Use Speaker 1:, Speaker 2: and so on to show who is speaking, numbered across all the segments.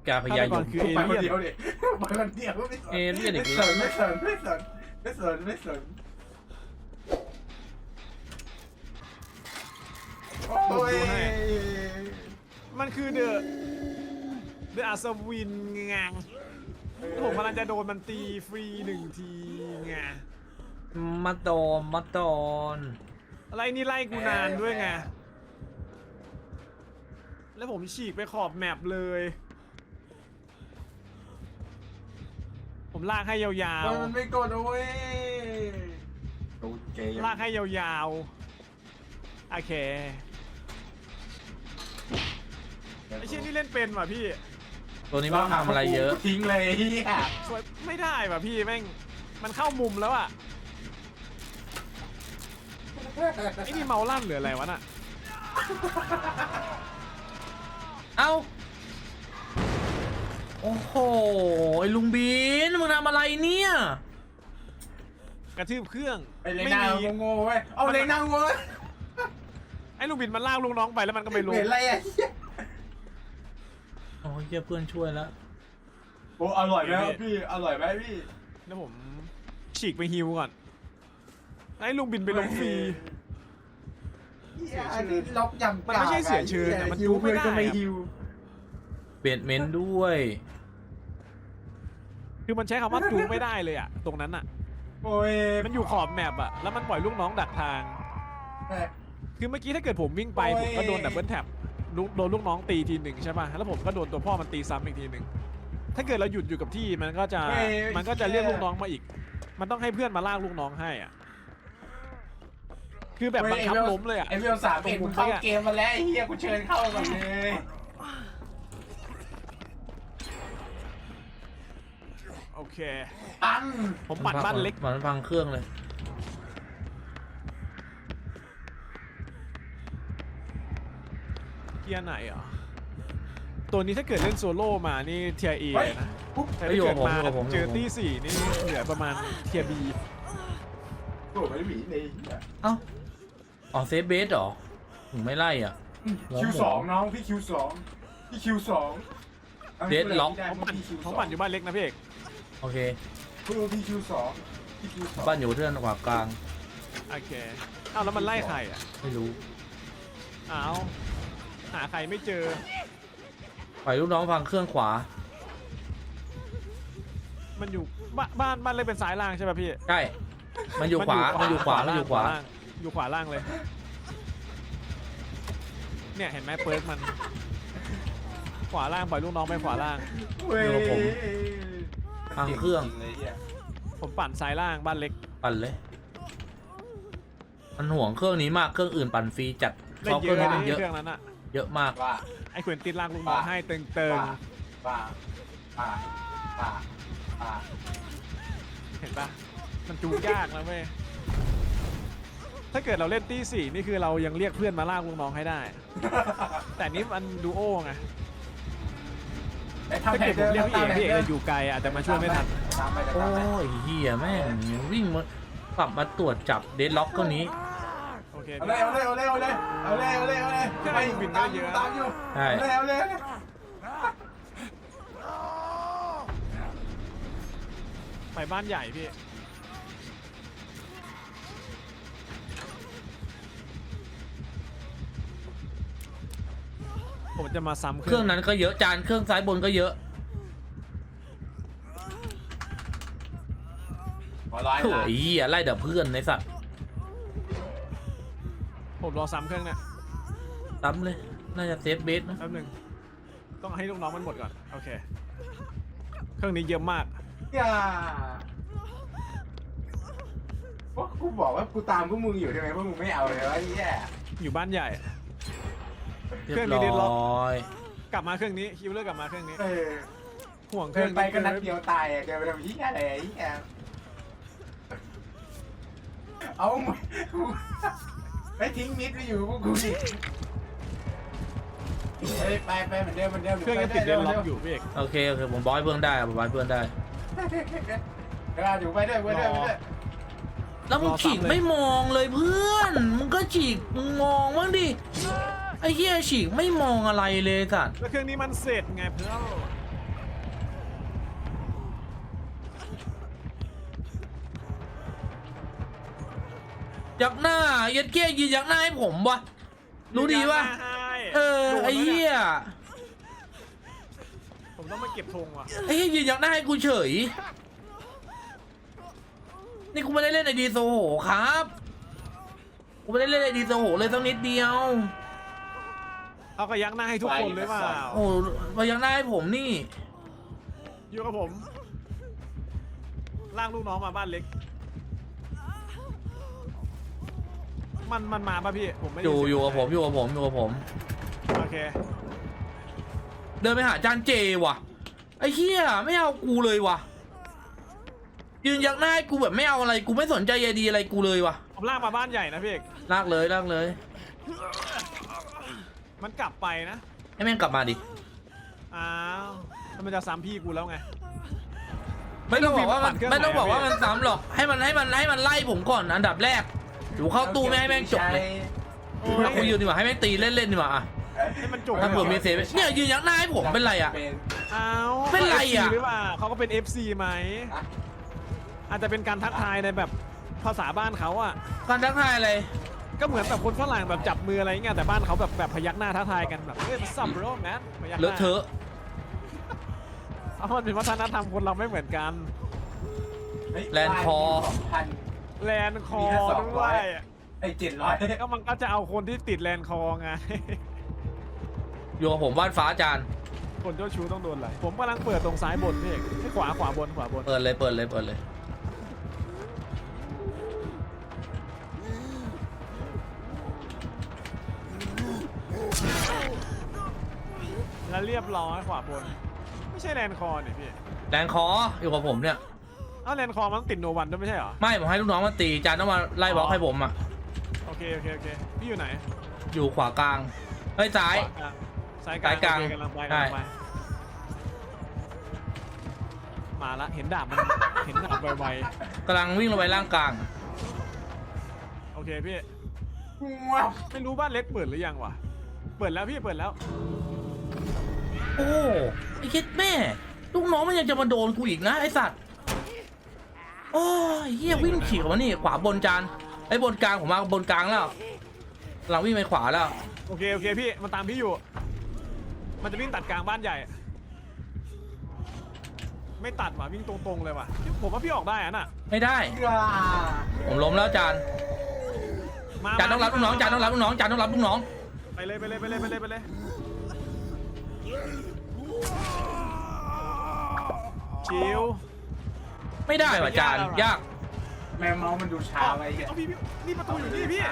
Speaker 1: กาพยายม
Speaker 2: คือเอ
Speaker 3: ไปคน
Speaker 2: เลี่ยน
Speaker 3: เดียวดิไปคนเดียวไม่สน
Speaker 1: เอเลี่ยนอีก
Speaker 3: ไม่
Speaker 1: แล้ว
Speaker 3: สนไม่สนไม่สนไม่สนโอ้ย
Speaker 2: มันคือเดอะอัศวินไงผมกำลังจะโดนมันตีฟรี1 ทีไง
Speaker 1: มาโดนมาโดน
Speaker 2: อะไรนี่ไล่กูนานด้วยไงแล้วผมฉีกไปขอบแมปเลย ผมลากให้ยาว
Speaker 3: มันไม่กดเอาเว้ยดูเกม
Speaker 2: ๆลากให้ยาวๆโอเคไอ้เชี่ยนี่เล่นเป็นว่ะพี่
Speaker 1: ตัวนี้ไม่ต้องทำอะไรเยอะ
Speaker 3: ทิ้งเลยเฮีย
Speaker 2: สวยไม่ได้ว่ะพี่แม่งมันเข้ามุมแล้วอ่ะไอ้นี่เมาลั่นหรืออะไรวะน่ะ
Speaker 1: เอ้าโอ้โหไอ้ลุงบินมึงทำอะไรเนี่ย
Speaker 2: กระทืบเครื่อง
Speaker 3: ไอ้เลน่าโง่ๆเว้ยเอาเลน่าเว้ย
Speaker 2: ไอ้ลูกบินมันลากลูกน้องไปแล้วมันก็ไปลง
Speaker 3: เห็นอะไรอ่ะเหี้ย
Speaker 1: โอ้ยเหี้ยเพื่อนช่วยแล้ว
Speaker 3: โอ้อร่อยไหมครับพี่อร่อยไหมพี่
Speaker 2: แล้วผมฉีกไปฮิวก่อนไอ้ลูกบินไปลงฟรี
Speaker 3: เหี้ยอันนี้ล็อกยำ
Speaker 2: มันไม่ใช่เสียเชิญอะมันดูไม่ได้
Speaker 3: ก็ไม่ฮิว
Speaker 1: เปลี่ยนเมนต์ด้วย
Speaker 2: คือมันใช้คำว่าจูไม่ได้เลยอะตรงนั้นอะ
Speaker 3: โอ้ย
Speaker 2: มันอยู่ขอบแมปอะแล้วมันปล่อยลูกน้องดักทาง คือเมื่อกี้ถ้าเกิดผมวิ่งไปผมก็โดนดับเบิลแท็บโดนลูกน้องตีทีหนึ่งใช่ป่ะแล้วผมก็โดนตัวพ่อมันตีซ้ำอีกทีหนึ่งถ้าเกิดเราหยุดอยู่กับที่มันก็จะเรียกลูกน้องมาอีก มันต้องให้เพื่อนมาลากลูกน้องให้อ่ะคือแบบบังคับล้มเลยอ่ะ
Speaker 3: ไอ้เวล3เอ็ดมึงเข้าเกมมาแล้วไอ้เฮียกูเชิญเข้าก่อนเลย
Speaker 2: โอเค
Speaker 3: ปัง
Speaker 2: ผมปัดบ้านเล็ก
Speaker 1: มันพังเครื่องเลย
Speaker 2: เทียร์ไหนเหรอตัวนี้ถ้าเกิดเล่นโซโล่มานี่เทียร์เอนะ
Speaker 3: ปุ๊บ
Speaker 2: แต่ถ้าเกิดมาเจอตี้สี่นี่เหลือประมาณเทียร์บี
Speaker 3: โอ้ไม่หมีเลย
Speaker 1: เอ้าอ๋อเซฟเบสเหรอถึงไม่ไล่อ่ะ
Speaker 3: คิว2น้องพี่คิว2พี่คิว2
Speaker 2: ผมปั่นอยู่บ้านเล็กนะพี่เอก
Speaker 1: โอเค
Speaker 3: พี่คิว2พี่คิว2
Speaker 1: บ้านอยู่เทือนขวากลาง
Speaker 2: โอเคอ้าวแล้วมันไล่ใครอ่ะ
Speaker 1: ไม่รู้
Speaker 2: อ้าวหาใครไม่เจอ
Speaker 1: ปล่อยลูกน้องพังเครื่องขวา
Speaker 2: มันอยู่บ้านเล็กเป็นซ้ายล่างใช่ป่ะพี่
Speaker 1: ใช่มันอยู่ขวามันอยู่ขวามันอยู่ขวา
Speaker 2: อยู่ขวาล่างเลย เนี่ยเห็นไหมเปิร์กมันขวาล่างปล่อยลูกน้องไปขวาล่าง
Speaker 1: พังเครื่อง
Speaker 2: ผมปั่นซ้ายล่างบ้านเล็ก
Speaker 1: ปั่นเลย มันห่วงเครื่องนี้มากเครื่องอื่นปั่นฟรีจัด
Speaker 2: เล่น
Speaker 1: เขา
Speaker 2: เย
Speaker 1: เครื่อ
Speaker 2: อะ
Speaker 1: งนี้มันเยอะ
Speaker 2: เครื่องนั้นอะ
Speaker 1: เยอะมาก
Speaker 3: ว่า
Speaker 2: ไอ้ขวนติดล่างลูกน้องให้เติง
Speaker 3: ป่า
Speaker 2: เห็นปะมันจูงยากนะเว้ยถ้าเกิดเราเล่นตี้สี่นี่คือเรายังเรียกเพื่อนมาลากลูกน้องให้ได้ แต่นี้มันดูโอ้ไงถ้าเกิดผมเรียกพี่เอกจะอยู่ไกลอาจจะมาช่วยไม่ทัน
Speaker 1: โอ้ยเฮียแม่งวิ่งมากลับมาตรวจจับเดดล็อกก็นี้
Speaker 2: โอเค
Speaker 3: เอาเลยไปบินตามอยู่
Speaker 1: ใช่
Speaker 3: เอาเลย
Speaker 2: ไปบ้านใหญ่พี่ผมจะมาซ้ำ
Speaker 1: เครื่องนั้นก็เยอะจานเครื่องซ้ายบนก็เยอะโอ้ยเฮียไล่แต่เพื่อนในสัตว์
Speaker 2: ผมรอซ้ำเครื่องเนี่ย
Speaker 1: ซ้ำเลยน่าจะเซฟเบสนะ
Speaker 2: แป๊บนึงต้องให้ลูกน้องมันหมดก่อนโอเคเครื่องนี้เยอะมาก
Speaker 3: อย่าว่ากูบอกว่ากูตามพวกมึงอยู่ใช่ไหมพวกมึงไม่เอาเลยวะไอ้แย่
Speaker 2: อยู่บ้านใหญ่
Speaker 1: เรีย
Speaker 2: เครื่อง
Speaker 1: บ
Speaker 2: นี้เดดล็
Speaker 1: ร้
Speaker 2: อก
Speaker 1: อย
Speaker 2: กลับมาเครื่องนี้คิวเลอร์กลับมาเครื่องนี้ ห่วงเค
Speaker 3: เกิ
Speaker 2: รื่อง
Speaker 3: นไปก็นัดเดียวตายอ่ะเกินไปทำยี่อะไรไอ้แย่เอาไปทิ้งมิดไปอยู่พวกกูดิไปเหมือนเดิม
Speaker 2: เครื่องยังติดเดดล็อกอยู่พี่เอก
Speaker 1: โอเคผมบอยเพื่อนได้ผมบอยเพื่อนได้
Speaker 3: อยู่ไปด้วย
Speaker 1: แล้วมึงฉีกไม่มองเลยเพื่อนมึงก็ฉีกมึงมองบ้างดิไอ้เหี้ยฉีกไม่มองอะไรเลยสัตว์
Speaker 2: แล้วเครื่องนี้มันเสร็จไงเพื่อน
Speaker 1: ยักหน้ายัดเกี้ยยืนยักหน้าให้ผมวะรู้ดีวะ
Speaker 2: ให้
Speaker 1: ไอ้เหี้ย
Speaker 2: ผมต้องมาเก็บธงว่ะ
Speaker 1: ไอ้เหี้ยยืนยักหน้าให้กูเฉยนี่กูไม่ได้เล่นไอดีโซโหครับกูไม่ได้เล่นไอดีโซโหเลยสักนิดเดียว
Speaker 2: เอากระยักหน้าให้ทุกคนเลยเปล่า
Speaker 1: โอ้มายักหน้าให้ผมนี่
Speaker 2: อยู่กับผมลากลูกน้องมาบ้านเล็กมันมาป่ะพี่ผมไม่ได้
Speaker 1: อยู่กับผมอยู่กับผมอยู่กับผม
Speaker 2: โอเค
Speaker 1: เดินไปหาจานเจว่ะไอ้เหี้ยไม่เอากูเลยว่ะยืนยักหน้าให้กูแบบไม่เอาอะไรกูไม่สนใจใยดีอะไรกูเลยว่ะ
Speaker 2: ผมลากมาบ้านใหญ่นะพี่เอก
Speaker 1: ลากเลยลากเลย
Speaker 2: มันกลับไปนะ
Speaker 1: ให้แม่งกลับมาดิ
Speaker 2: อ้าวแล้วมันจะซ้ำพี่กูแล้วไง
Speaker 1: ไม่ต้องบอกว่ามัน
Speaker 2: เครื่อง
Speaker 1: ไม่ต้องบอกว่า
Speaker 2: ไหนอะ
Speaker 1: มันซ้ำหรอกให้มันไล่ผมก่อนอันดับแรกอยู่เข้าตู้ไม่ให้แม่งจบเลยถ้ากูยืนดีกว่าให้แม่งตีเล่นๆดีกว่าอะ
Speaker 2: ให้มันจบ
Speaker 1: ถ้าเผื่อมีเซฟเนี่ยยืนยักหน้าให้ผมเป็นไรอะ
Speaker 2: อ้าว
Speaker 1: เป็นไรอะ
Speaker 2: หรือเปล่าเขาก็เป็น FC ไหมอาจจะเป็นการทักทายในแบบภาษาบ้านเขาอ่ะ
Speaker 1: การทักทายอะไร
Speaker 2: ก็เหมือนแบบคนฝรั่งแบบจับมืออะไรเงี้ยแต่บ้านเขาแบบพยักหน้าทักทายกันแบบเฮ้ยมันซัมโรแมนพยักห
Speaker 1: เลอะ
Speaker 2: น้า
Speaker 1: เทอะ
Speaker 2: เอามันเป็นวัฒนธรรมคนเราไม่เหมือนกัน
Speaker 1: แลนด์คอ
Speaker 2: แลนด์คอด้วย
Speaker 3: ไอ้700
Speaker 2: ก็มันก็จะเอาคนที่ติดแลนด์คอไง
Speaker 1: อยู่กับผมวาดฟ้าจาน
Speaker 2: คนเจ้าชู้ต้องโดนอะไรผมกำลังเปิดตรงซ้ายบนพี่เอกให้ขวาบน
Speaker 1: เปิดเลยเปิดเลยเปิดเลย
Speaker 2: แล้วเรียบร้อยขวาบนไม่ใช่แลนด์คอเนี่ยพี่
Speaker 1: แลนด์คออยู่กับผมเนี่ย
Speaker 2: อ้าวแลนด์คอมันต้องติดโนวันด้วยไม่ใช่เหรอ
Speaker 1: ไม่ผมให้ลูกน้องมาตีจานต้องมาไล่บล็อกให้ผมอ่ะ
Speaker 2: โอเคพี่อยู่ไหน
Speaker 1: อยู่ขวากลางเฮ้ยซ้าย
Speaker 2: ขวากลางซ้าย
Speaker 1: ซ้ายกลาง
Speaker 2: โอเคกำลังไป
Speaker 1: ใช่
Speaker 2: มาละเห็นดาบมันเห็นดาบไว
Speaker 1: กำลังวิ่งลงไปล่างกลาง
Speaker 2: ๆโอเคพี่ไม่รู้บ้านเล็กเปิดหรือยังวะเปิดแล้วพี่เปิดแล้ว
Speaker 1: โอ้ไอ้คิดแม่ลูกน้องมันยังจะมาโดนกูอีกนะไอ้สัตว์โอ้ยเฮียวิ่งฉีกออกมานี่ขวาบนจานไอ้บนกลางผมมาบนกลางแล้วเราวิ่งไปขวาแล้ว
Speaker 2: โอเคพี่มันตามพี่อยู่ มันจะวิ่งตัดกลางบ้านใหญ่ ไม่ตัดว่ะวิ่งตรงๆเลยว่ะผมว่าพี่ออกได้อะน่ะ
Speaker 1: ไม่ได้ผมล้มแล้วจาน
Speaker 2: มา
Speaker 1: จานต้องรับลูกน้องจานต้องรับลูกน้องจานต้องรับลูกน้อง
Speaker 2: ไปเลยชิว
Speaker 1: ไม่ได้ว่ะจานยาก
Speaker 3: แมวเมาส์มันดูช้าไป
Speaker 2: เอาพี่นี่ประตูอยู่นี่พี่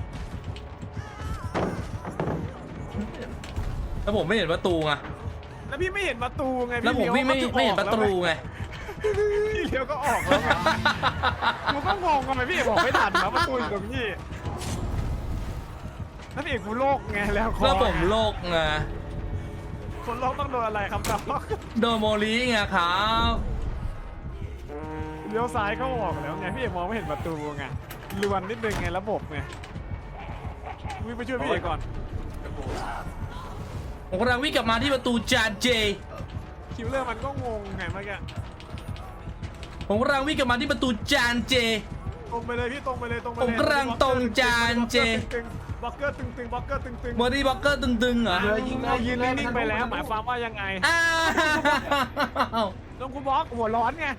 Speaker 1: แล้วผมไม่เห็นประตูไง
Speaker 2: แล้วพี่ไม่เห็นประตูไง
Speaker 1: แล้วผมวิ่งไม่เห็นประตูไง
Speaker 2: พี่เลี้ยวก็ออกแล้วไงกูก็งงทำไมพี่เอกบอกไม่ทันนะประตูอยู่ตรงนี้นั่นเอกกูโลกไงแล้วคอ
Speaker 1: แล้วผมโลกไง
Speaker 2: คนโลกต้องโดนอะไรครับน้อง
Speaker 1: โดนโมลีไงครับ
Speaker 2: เลี้ยวซ้ายก็ออกแล้วไงพี่เอกมองไม่เห็นประตูไงลวนนิดนึงไงระบบไงวิ่งไปช่วยพี่เอกก่อน
Speaker 1: ผมกำลังวิ่งกลับมาที่ประตูจานเจ
Speaker 2: คิวเลอร์มันก็งงไงเมื่อกี้
Speaker 1: ผมกำลังวิ่งกลับมาที่ประตูจานเจ
Speaker 2: ตรงไปเลยพี่ตรงไปเลย
Speaker 1: ผมกำลังตรงจานเจ
Speaker 2: บล็อกเกอร์ตึงบล็อกเกอร์ตึง
Speaker 1: บอดี้บล็อกเกอร์ตึงๆเหรอ
Speaker 2: ยืนนิ่งๆไปแล้วหมายความว่ายังไง
Speaker 1: อ้าว
Speaker 2: ลงกูบล็อกหัวร้อนไง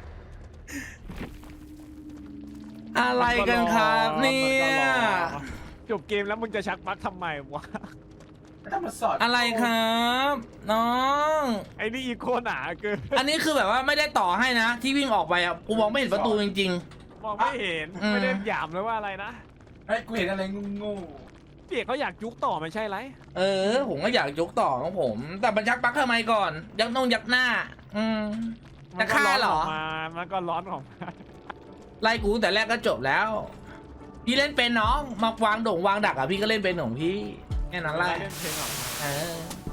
Speaker 1: อะไรกันครับเนี่ย
Speaker 2: จบเกมแล้วมึงจะชักปลั๊กทำไมวะ
Speaker 3: ถ้ามาสอด
Speaker 1: อะไรครับน้อง
Speaker 2: ไอ้นี่อีโคหนาเกิน
Speaker 1: อันนี้คือแบบว่าไม่ได้ต่อให้นะ ที่วิ่งออกไปอ่ะกูมองไม่เห็นประตูจริง
Speaker 2: มองไม่เห็นไม่ได้หยามเลยว่าอะไรนะ
Speaker 3: ไอ้กูเห็นอะไรงู
Speaker 2: พี่เอกเขาอยากยุกต่อไม่ใช่ไร
Speaker 1: ๆ ผมก็อยากยกต่อของผม แต่มันชักปลั๊กทำไมก่อน ยักยักหน้า จะฆ่าเหรอ
Speaker 2: มันก็ร้อนของมัน
Speaker 1: ไล่กูแต่แรกก็จบแล้ว พี่เล่นเป็นน้องมาวางโด่งวางดักอ่ะพี่ก็เล่นเป็นของพี่แค่นั้นแหละ
Speaker 2: เล่นเพลงหรอ
Speaker 1: เออ